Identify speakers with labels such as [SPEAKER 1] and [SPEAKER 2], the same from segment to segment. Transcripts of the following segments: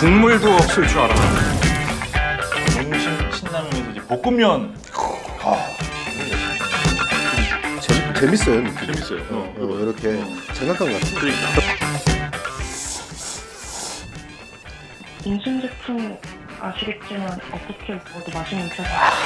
[SPEAKER 1] 국물도 없을 줄 알아.
[SPEAKER 2] 농심 신라면에서 이제 볶음면.
[SPEAKER 3] 재밌어요. 느낌.
[SPEAKER 2] 재밌어요.
[SPEAKER 3] 이렇게 장난감 같은.
[SPEAKER 2] 그러니까.
[SPEAKER 4] 인심 제품 아시겠지만 어떻게 먹어도 맛있는 편.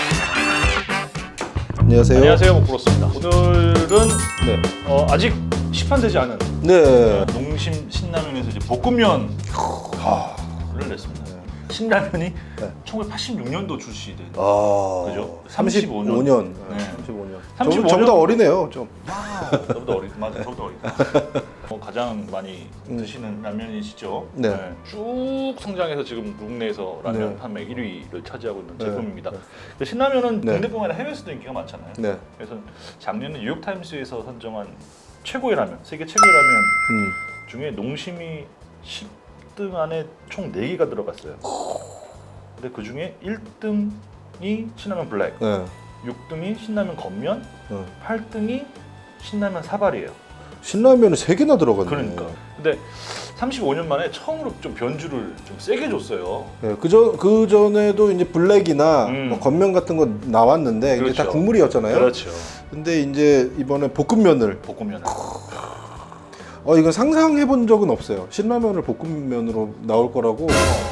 [SPEAKER 3] 안녕하세요.
[SPEAKER 2] 안녕하세요, 목프로스입니다. 오늘은
[SPEAKER 3] 네.
[SPEAKER 2] 아직 시판되지 않은
[SPEAKER 3] 네.
[SPEAKER 2] 농심 신라면에서 이제 볶음면을 냈습니다. 신라면이
[SPEAKER 3] 네.
[SPEAKER 2] 1986년도 출시된.
[SPEAKER 3] 아,
[SPEAKER 2] 그죠?
[SPEAKER 3] 35년.
[SPEAKER 2] 네.
[SPEAKER 3] 35년.
[SPEAKER 2] 35년.
[SPEAKER 3] 저보다 어리네요, 좀.
[SPEAKER 2] 저보다 어리, 맞아, 저보다 어리다. 가장 많이 드시는 라면이시죠?
[SPEAKER 3] 네.
[SPEAKER 2] 쭉 성장해서 지금 국내에서 라면
[SPEAKER 3] 네.
[SPEAKER 2] 판매 1위를 차지하고 있는
[SPEAKER 3] 네.
[SPEAKER 2] 제품입니다.
[SPEAKER 3] 네.
[SPEAKER 2] 근데 신라면은
[SPEAKER 3] 네.
[SPEAKER 2] 국내뿐만 아니라 해외에서도 인기가 많잖아요.
[SPEAKER 3] 네.
[SPEAKER 2] 그래서 작년에 뉴욕타임스에서 선정한 최고의 라면, 세계 최고의 라면 중에 농심이 10등 안에 총 4개가 들어갔어요. 근데 그 중에 1등이 신라면 블랙,
[SPEAKER 3] 네.
[SPEAKER 2] 6등이 신라면 겉면,
[SPEAKER 3] 네.
[SPEAKER 2] 8등이 신라면 사발이에요.
[SPEAKER 3] 신라면은 3개나 들어갔네.
[SPEAKER 2] 그러니까. 근데 35년 만에 처음으로 좀 변주를 좀 세게 줬어요.
[SPEAKER 3] 네, 그 전에도 이제 블랙이나
[SPEAKER 2] 음.
[SPEAKER 3] 뭐 겉면 같은 거 나왔는데 이게 다
[SPEAKER 2] 그렇죠.
[SPEAKER 3] 국물이었잖아요.
[SPEAKER 2] 그렇죠.
[SPEAKER 3] 근데 이제 이번에 볶음면을
[SPEAKER 2] 볶음면.
[SPEAKER 3] 이건 상상해 본 적은 없어요. 신라면을 볶음면으로 나올 거라고.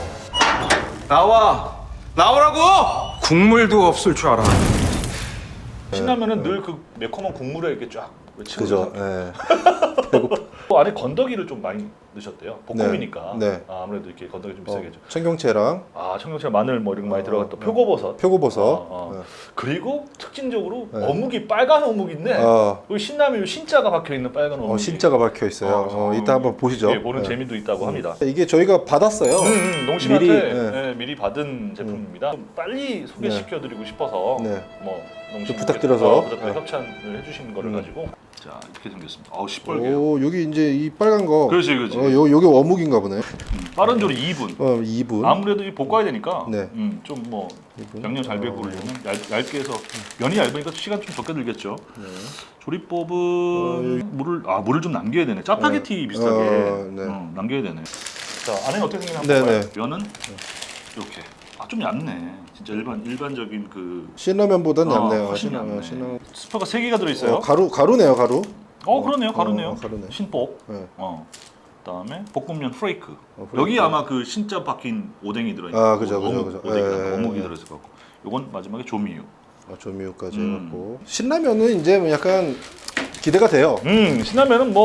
[SPEAKER 1] 나오라고! 국물도 없을 줄 알아.
[SPEAKER 2] 신라면은 늘 그 매콤한 국물에 이렇게 쫙
[SPEAKER 3] 그죠.
[SPEAKER 2] 맺히거든요.
[SPEAKER 3] 예.
[SPEAKER 2] 또 안에 건더기를 좀 많이 넣으셨대요. 볶음이니까.
[SPEAKER 3] 네.
[SPEAKER 2] 아무래도 이렇게 건더기 좀 비싸겠죠.
[SPEAKER 3] 청경채랑
[SPEAKER 2] 청경채, 마늘 뭐 이런 거 많이 들어갔다. 표고버섯.
[SPEAKER 3] 표고버섯. 네.
[SPEAKER 2] 그리고 특징적으로
[SPEAKER 3] 네.
[SPEAKER 2] 어묵이 빨간 어묵인데 여기 신라면 신자가 박혀 있는 빨간 어묵.
[SPEAKER 3] 신자가 박혀 있어요. 이따 한번 보시죠.
[SPEAKER 2] 예, 보는
[SPEAKER 3] 네.
[SPEAKER 2] 재미도 있다고 합니다.
[SPEAKER 3] 이게 저희가 받았어요.
[SPEAKER 2] 농심한테
[SPEAKER 3] 미리,
[SPEAKER 2] 미리 받은 제품입니다. 좀 빨리 소개시켜드리고 싶어서
[SPEAKER 3] 네.
[SPEAKER 2] 뭐 농심
[SPEAKER 3] 좀 부탁드려서.
[SPEAKER 2] 부탁드려
[SPEAKER 3] 네.
[SPEAKER 2] 협찬을 해주신 거를 가지고 자 이렇게 생겼습니다. 시뻘게요.
[SPEAKER 3] 오, 여기 이제 이 빨간 거.
[SPEAKER 2] 그렇지.
[SPEAKER 3] 요게 어묵인가 보네.
[SPEAKER 2] 빠른 조리 2분.
[SPEAKER 3] 2분.
[SPEAKER 2] 아무래도 이 볶아야 되니까
[SPEAKER 3] 네.
[SPEAKER 2] 좀 뭐 양념 잘 배부르려면 얇게 해서 면이 얇으니까 시간 좀 적게 들겠죠.
[SPEAKER 3] 네.
[SPEAKER 2] 조리법은 물을 좀 남겨야 되네. 짜파게티 비슷하게
[SPEAKER 3] 네.
[SPEAKER 2] 남겨야 되네. 자 안에는 어떻게 생겼나
[SPEAKER 3] 네,
[SPEAKER 2] 한번 봐요.
[SPEAKER 3] 네.
[SPEAKER 2] 면은 이렇게 좀 얇네. 진짜 일반적인 그
[SPEAKER 3] 신라면보단 얇네요.
[SPEAKER 2] 훨씬 얇네.
[SPEAKER 3] 신라면.
[SPEAKER 2] 스프가 3개가 들어있어요.
[SPEAKER 3] 가루네요, 가루.
[SPEAKER 2] 그러네요. 가루네요.
[SPEAKER 3] 가루네.
[SPEAKER 2] 신복.
[SPEAKER 3] 네.
[SPEAKER 2] 그다음에 볶음면 프레이크.
[SPEAKER 3] 프레이크.
[SPEAKER 2] 여기 아마 그 신자 박힌 오뎅이 들어있는.
[SPEAKER 3] 그죠.
[SPEAKER 2] 어묵이
[SPEAKER 3] 예.
[SPEAKER 2] 들어있을 것 같고. 요건 마지막에 조미유.
[SPEAKER 3] 조미유까지 해갖고. 신라면은 이제 뭐 약간 기대가 돼요.
[SPEAKER 2] 신라면은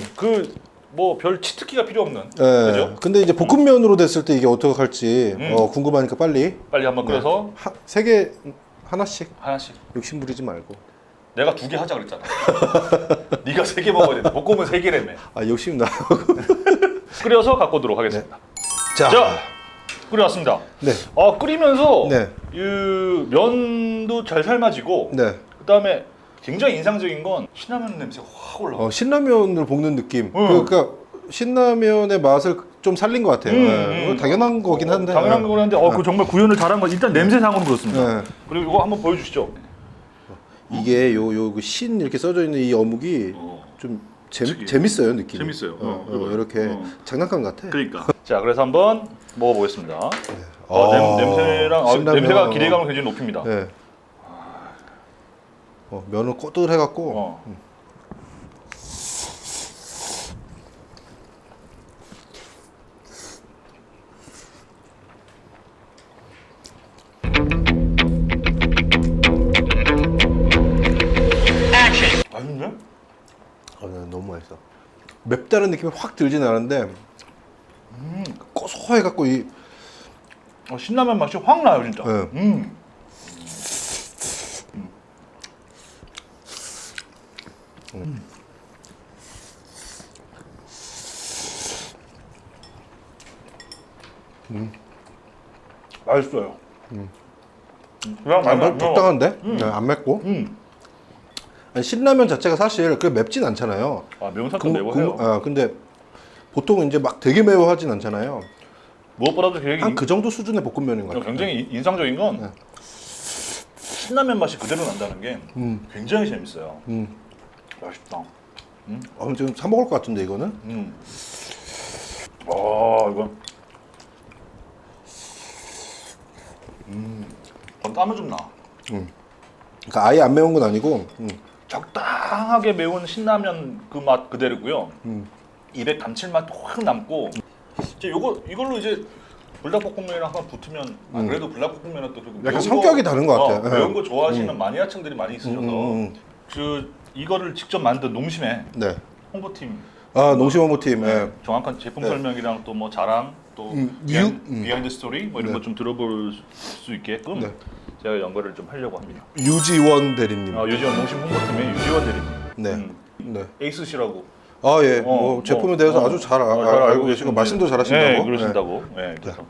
[SPEAKER 2] 별 치트키가 필요 없는.
[SPEAKER 3] 예.
[SPEAKER 2] 그죠?
[SPEAKER 3] 근데 이제 볶음면으로 됐을 때 이게 어떻게 할지 궁금하니까 빨리
[SPEAKER 2] 빨리 한번 끓여서
[SPEAKER 3] 3개 하나씩
[SPEAKER 2] 하나씩.
[SPEAKER 3] 욕심 부리지 말고.
[SPEAKER 2] 내가 2개 하자 그랬잖아. 네가 3개 먹어야 돼. 볶음은 3개라며.
[SPEAKER 3] 욕심 나.
[SPEAKER 2] 끓여서 갖고 오도록 하겠습니다.
[SPEAKER 3] 자,
[SPEAKER 2] 끓여왔습니다.
[SPEAKER 3] 네.
[SPEAKER 2] 끓이면서
[SPEAKER 3] 네.
[SPEAKER 2] 이 면도 잘 삶아지고
[SPEAKER 3] 네.
[SPEAKER 2] 그다음에 굉장히 인상적인 건 신라면 냄새가 확 올라와.
[SPEAKER 3] 신라면을 볶는 느낌. 그러니까 신라면의 맛을 좀 살린 것 같아요. 이거 당연한 거긴 한데.
[SPEAKER 2] 당연한 거긴 한데 그 정말 구현을 잘한 거. 일단 냄새상으로 그렇습니다.
[SPEAKER 3] 네.
[SPEAKER 2] 그리고 이거 한번 보여주시죠.
[SPEAKER 3] 이게 신 이렇게 써져 있는 이 어묵이 좀 재밌어요, 느낌이.
[SPEAKER 2] 재밌어요.
[SPEAKER 3] 이렇게 장난감 같아.
[SPEAKER 2] 그러니까. 자, 그래서 한번 먹어보겠습니다. 냄새랑
[SPEAKER 3] 신라면.
[SPEAKER 2] 냄새가 기대감을 굉장히 높입니다.
[SPEAKER 3] 네. 면을 꼬들해갖고.
[SPEAKER 2] 맛있네?
[SPEAKER 3] 네, 너무 맛있어. 맵다는 느낌이 확 들진 않은데 고소해갖고 이
[SPEAKER 2] 신라면 맛이 확 나요, 진짜.
[SPEAKER 3] 네.
[SPEAKER 2] 맛있어요. 그냥
[SPEAKER 3] 적당한데? 네, 안 맵고. 아니, 신라면 자체가 사실 그렇게 맵진 않잖아요.
[SPEAKER 2] 매운살도 매워요.
[SPEAKER 3] 근데 보통 이제 막 되게 매워하진 않잖아요.
[SPEAKER 2] 무엇보다도 굉장히
[SPEAKER 3] 한 그 정도 수준의 볶음면인 것 같아요.
[SPEAKER 2] 굉장히 인상적인 건 신라면 맛이 그대로 난다는 게 굉장히 재밌어요. 맛있다.
[SPEAKER 3] 지금 사 먹을 것 같은데 이거는?
[SPEAKER 2] 이거 땀은 좀 나.
[SPEAKER 3] 그러니까 아예 안 매운 건 아니고.
[SPEAKER 2] 적당하게 매운 신라면 그 맛 그대로고요. 입에 감칠맛도 확 남고. 이제 이걸로 이제 불닭볶음면이랑 한번 붙으면 그래도 불닭볶음면은 또
[SPEAKER 3] 약간 성격이 다른 것 같아요.
[SPEAKER 2] 매운 거 좋아하시는 마니아층들이 많이 있으셔서 이거를 직접 만든 농심의
[SPEAKER 3] 네.
[SPEAKER 2] 홍보팀
[SPEAKER 3] 아 농심 홍보팀. 예.
[SPEAKER 2] 정확한 제품 설명이랑 또 뭐 자랑 또 비하인드 스토리 뭐 이런
[SPEAKER 3] 네.
[SPEAKER 2] 거 좀 들어볼 수 있게끔
[SPEAKER 3] 네.
[SPEAKER 2] 제가 연결을 좀 하려고 합니다.
[SPEAKER 3] 유지원 대리님.
[SPEAKER 2] 유지원 농심 홍보팀의 유지원 대리님.
[SPEAKER 3] 네. 네.
[SPEAKER 2] 에이스시라고.
[SPEAKER 3] 아 예. 뭐 제품에 대해서 아주 잘 알고 계시고 말씀도 잘하신다고.
[SPEAKER 2] 네, 그러신다고. 네. 그래서.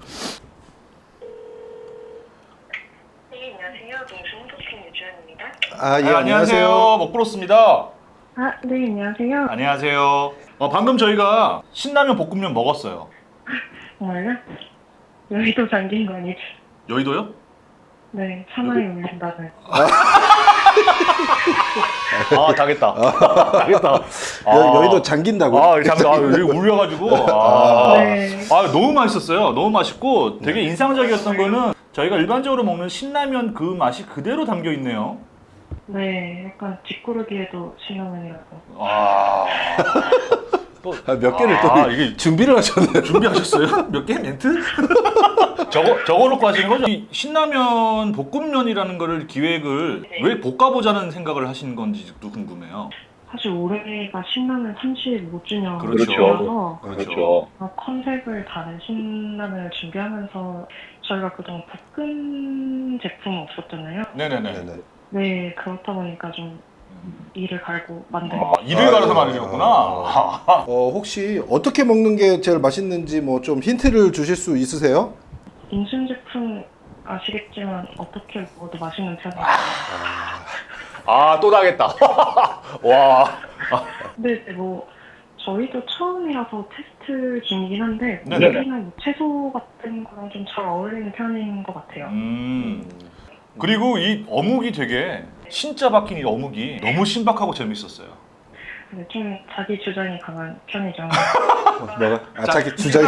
[SPEAKER 4] 네, 안녕하세요. 농심 홍보팀 유주연입니다.
[SPEAKER 3] 아 예.
[SPEAKER 2] 안녕하세요. 먹부로스입니다.
[SPEAKER 4] 아, 네, 안녕하세요.
[SPEAKER 2] 안녕하세요. 방금 저희가 신라면 볶음면 먹었어요.
[SPEAKER 4] 정말요? 여의도 잠긴 거 아니지?
[SPEAKER 2] 여의도요?
[SPEAKER 4] 네, 차마에 올린다는.
[SPEAKER 2] 당했다. 당했다.
[SPEAKER 3] 여의도 잠긴다고.
[SPEAKER 2] 여기 울려가지고.
[SPEAKER 4] 네.
[SPEAKER 2] 너무 맛있었어요. 너무 맛있고 되게 인상적이었던 거는 저희가 일반적으로 먹는 신라면 그 맛이 그대로 담겨 있네요.
[SPEAKER 4] 네, 약간 뒷구르기에도 신라면이라고.
[SPEAKER 3] 몇 개를 또
[SPEAKER 2] 이게
[SPEAKER 3] 준비를 하셨네요.
[SPEAKER 2] 준비하셨어요? 몇 개 멘트? 적어놓고 하시는 거죠? 이 신라면 볶음면이라는 거를 기획을 왜 볶아보자는 생각을 하신 건지도 궁금해요.
[SPEAKER 4] 사실 올해가 신라면 35주년이라서
[SPEAKER 2] 그렇죠.
[SPEAKER 4] 컨셉을 다른 신라면을 준비하면서 저희가 그동안 볶음 제품은 없었잖아요.
[SPEAKER 2] 네네네.
[SPEAKER 3] 네네.
[SPEAKER 4] 네, 그렇다 보니까 좀 이를 갈고 만든
[SPEAKER 2] 이를 갈아서 만드셨구나.
[SPEAKER 3] 혹시 어떻게 먹는 게 제일 맛있는지 뭐 좀 힌트를 주실 수 있으세요?
[SPEAKER 4] 인심 제품 아시겠지만 어떻게 먹어도 맛있는 편이에요.
[SPEAKER 2] 또 당했다. 와.
[SPEAKER 4] 근데 이제 뭐 저희도 처음이라서 테스트 중이긴 한데
[SPEAKER 2] 네네.
[SPEAKER 4] 여기는 뭐 채소 같은 거랑 좀 잘 어울리는 편인 것 같아요.
[SPEAKER 2] 그리고 이 어묵이 되게 신짜 박힌 이 어묵이 너무 신박하고 재밌었어요.
[SPEAKER 4] 근데 좀 자기 주장이 강한 편이죠.
[SPEAKER 3] 뭐가? 자기 주장이.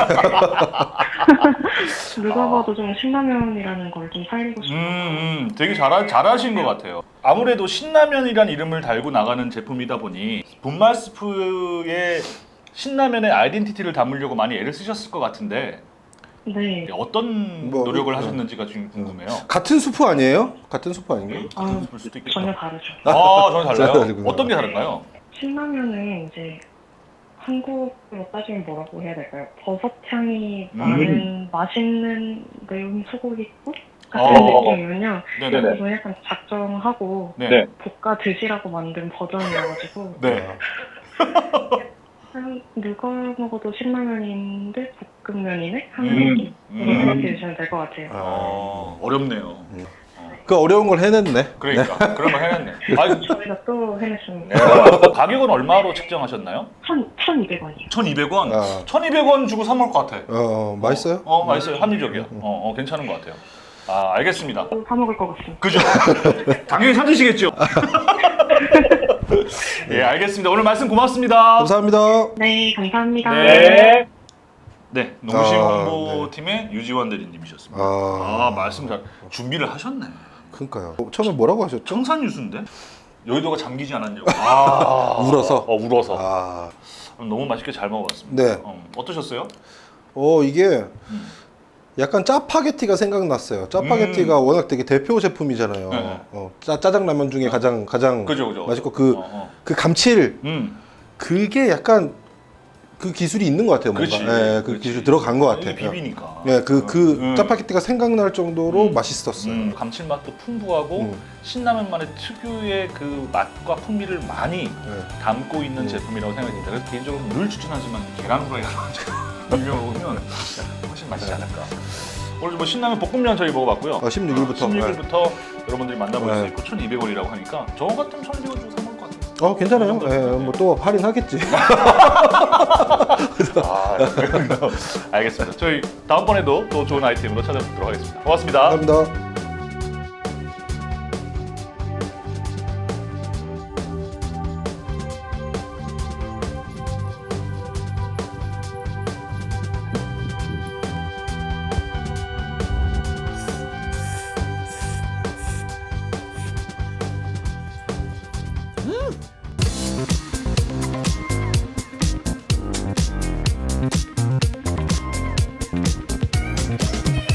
[SPEAKER 4] 누가 봐도 좀 신라면이라는 걸 좀 살리고 싶어요.
[SPEAKER 2] 되게 잘하신 것 같아요. 아무래도 신라면이란 이름을 달고 나가는 제품이다 보니 분말 스프의 신라면의 아이덴티티를 담으려고 많이 애를 쓰셨을 것 같은데
[SPEAKER 4] 네.
[SPEAKER 2] 어떤
[SPEAKER 3] 뭐,
[SPEAKER 2] 노력을 하셨는지가 좀 궁금해요.
[SPEAKER 3] 같은 수프 아니에요? 같은 수프 아닌가요?
[SPEAKER 2] 볼 수도 있겠다.
[SPEAKER 4] 전혀 다르죠.
[SPEAKER 2] 전혀 달라요?
[SPEAKER 3] 다르구나.
[SPEAKER 2] 어떤 게 다른가요?
[SPEAKER 4] 신라면은 이제 한국으로 따지면 뭐라고 해야 될까요? 버섯 향이 나는 맛있는 매운 소고기국 같은 느낌이면요.
[SPEAKER 2] 네네.
[SPEAKER 4] 이거 약간 작정하고
[SPEAKER 2] 네.
[SPEAKER 4] 볶아 드시라고 만든 버전이어가지고
[SPEAKER 2] 네.
[SPEAKER 4] 누가 먹어도 신라면인데 볶음면이네? 하는 느낌? 그렇게 드시면 될 것 같아요.
[SPEAKER 2] 어렵네요.
[SPEAKER 3] 그 어려운 걸 해냈네.
[SPEAKER 2] 그러니까 그런 거 해냈네.
[SPEAKER 4] 저희가 또 해냈습니다.
[SPEAKER 2] 가격은 얼마로 책정하셨나요?
[SPEAKER 4] 1,200원이요.
[SPEAKER 2] 1,200원.
[SPEAKER 3] 아.
[SPEAKER 2] 1,200원 주고 사 먹을 것 같아.
[SPEAKER 3] 맛있어요?
[SPEAKER 2] 맛있어요. 합리적이요. 괜찮은 것 같아요. 알겠습니다.
[SPEAKER 4] 사 먹을 것 같습니다.
[SPEAKER 2] 그죠? 당연히 찾으시겠죠. 예, 알겠습니다. 오늘 말씀 고맙습니다.
[SPEAKER 3] 감사합니다.
[SPEAKER 4] 네, 감사합니다.
[SPEAKER 2] 네. 네, 농심
[SPEAKER 3] 아,
[SPEAKER 2] 홍보팀의 유지원 대리님이셨습니다. 말씀 잘 준비를 하셨네.
[SPEAKER 3] 그러니까요. 처음에 뭐라고 하셨죠?
[SPEAKER 2] 청산유수인데 여의도가 잠기지 않았냐고.
[SPEAKER 3] 울어서.
[SPEAKER 2] 울어서. 너무 맛있게 잘 먹어봤습니다.
[SPEAKER 3] 네.
[SPEAKER 2] 어떠셨어요?
[SPEAKER 3] 이게 약간 짜파게티가 생각났어요. 짜파게티가 워낙 되게 대표 제품이잖아요.
[SPEAKER 2] 네.
[SPEAKER 3] 짜장라면 중에 가장
[SPEAKER 2] 그죠.
[SPEAKER 3] 맛있고 그 감칠 그게 약간 그 기술이 있는 것 같아요. 뭔가. 그
[SPEAKER 2] 그렇지.
[SPEAKER 3] 기술이 들어간 것 같아요.
[SPEAKER 2] 비비니까.
[SPEAKER 3] 네, 그 짜파게티가 생각날 정도로 맛있었어요.
[SPEAKER 2] 감칠맛도 풍부하고 신라면만의 특유의 그 맛과 풍미를 많이 담고 있는 제품이라고 생각이 듭니다. 그래서 개인적으로 늘 추천하지만 계란 후라이가 유명하면 훨씬 맛있지 않을까. 오늘 뭐 신라면 볶음면 저희 먹어봤고요.
[SPEAKER 3] 16일부터.
[SPEAKER 2] 16일부터 여러분들이 만나볼 수 있고 1,200원이라고 하니까 저 같으면 1,200원 주고 사 먹을 것 같아요.
[SPEAKER 3] 괜찮아요. 뭐 또 할인하겠지.
[SPEAKER 2] 알겠습니다. 저희 다음번에도 또 좋은 아이템으로 찾아뵙도록 하겠습니다. 고맙습니다.
[SPEAKER 3] 감사합니다.